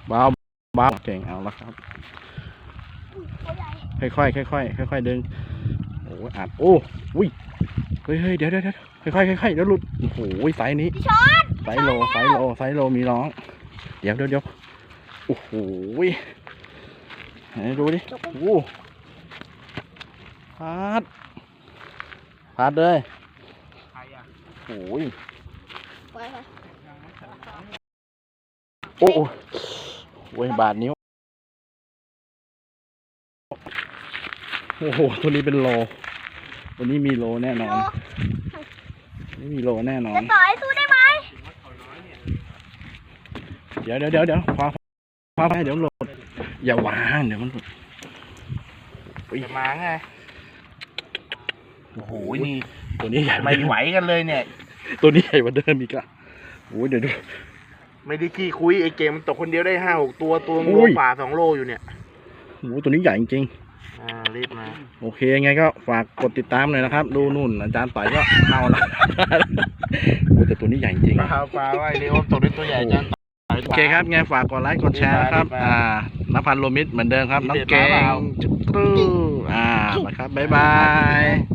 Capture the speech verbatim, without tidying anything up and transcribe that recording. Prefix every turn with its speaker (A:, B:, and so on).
A: เบาเบาเก่งเอาละครับค่อยค่อยค่อยค่อยค่อยค่อยๆดึงโอ้อัดโอ้อุ้ยเฮ้ยเฮ้ยเดี๋ยวเดี๋ยวค่อยค่อยค่อยค่อยๆเดี๋ยวหลุดโอ้โหไซส์นี้ไซส์โลไซส์โลไซส์โลมีร้องเดี๋ยวเดี๋ยวเดี๋ยวโอ้โหไหนดูดิโอ้พาดพาดเลยโอ้ยโอ้โหบาดนิ้วโอ้โหตัวนี้เป็นโลตัวนี้มีโลแน่นอนนี่มีโลแน่นอน
B: จะต่อยสู้ได้ไหม
A: เดี๋ยวเดี๋ยวเดี๋ยวเดี๋ยวคว้าคว้าไปเดี๋ยวหลุดอย่าวางเดี๋ยวมันหลุดจะมาไงโอ้โหนี่ตัวนี้ใหญ่ไม่ไหวกันเลยเนี่ยตัวนี้ใหญ่กว่าเดิมอีกอะโอ้ยเดี๋ยวดู
C: ไม่ได้ขี้คุยไอเกมมันตกคนเดียวได้ห้าหกตัวตัวงูป่าสองโลอยู่เนี่ย
A: โอ้ตัวนี้ใหญ่จริง
C: ๆอ่ารีบมา
A: โอเคไงก็ฝากกดติดตามหน่อยนะครับดูนู่นอาจารย์ต่อยก็เอาละโอ้แต่ตัวนี้ใหญ่จริง
C: ปลาปลาว่าไอเดียวตกได้ตัวใหญ่อาจารย์
A: โอเคครับไงฝากกดไลค์กดแชร์ครับอ่านภัสโลมิตเหมือนเดิมครับน้องเก่งจุ๊บอ่าไปครับบ๊ายบาย